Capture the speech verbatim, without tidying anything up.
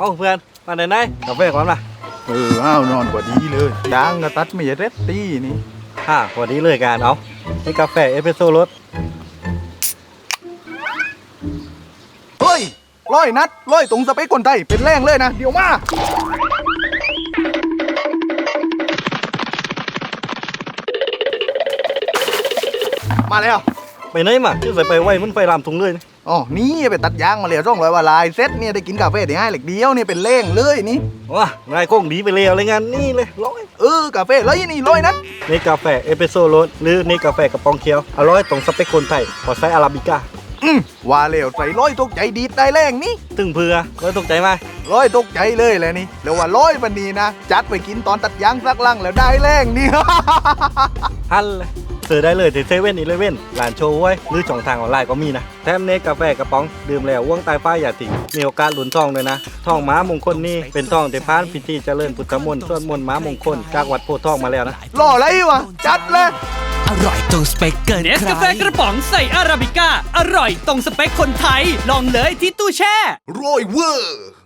เอาเพื่อนมาไหนไหนกาแฟก่อนมาเอออ้าวนอนกว่าดีเลยยางกระตัดไม่เร็ดตี้นี่ฮ่าพอดีเลยการเอานี่กาแฟเอสเปรสโซ่รสเฮ้ยร้อยนัดร้อยตรงสเปคคนไทยเป็นแรงเลยนะเดี๋ยวมามาแล้วไปไหนมาชื่อใส่ไปไว้มันไฟลามถุงเลยนะอ๋อนี่ไปตัดยางมาแล้วร่องรอยว่าลายเซ็ตเนี่ยได้กินกาแฟได้ให้เหล็กเดียวเนี่ยเป็นแรงเลยนี่ว้านายคงดีไปเลยอะไรงานนี่เลยร้อยเออกาแฟร้อยนี่ร้อยนัดนี่กาแฟเอสเปรสโซ่รสหรือนี่กาแฟกระป๋องเขียวอร่อยตรงสเปคคนไทยขอใช้อาราบิก้าอืมว่าแล้วใส่ร้อยตกใจดีดได้แรงนี่ตึงเพื่อร้อยตกใจไหมร้อยตกใจเลยแหละนี่แล้วว่าร้อยวันนี้นะจัดไปกินตอนตัดยางสักลังแล้วได้แรงนี่ฮันเลยซื้อได้เลยที่เซเว่นอีเลฟเว่นร้านโชว์ไว้หรือช่องทางออนไลน์ก็มีนะแถมเนกาแฟกระป๋องดื่มแล้วว่วงตายฟ้าอย่าติ่งมีโอกาสหลุนทองเลยนะทองม้ามงคลนี่เป็นทองที่ผ่านพิธีเจริญพุทธมนต์สวดมนต์ม้ามงคลจากวัดโพธิ์ทองมาแล้วนะรออะไรวะจัดเลยอร่อยตรงสเปคเกินใครเนสกาแฟกระป๋องใส่อาราบิก้าอร่อยตรงสเปคคนไทยลองเลยที่ตู้แช่โรยเวอร์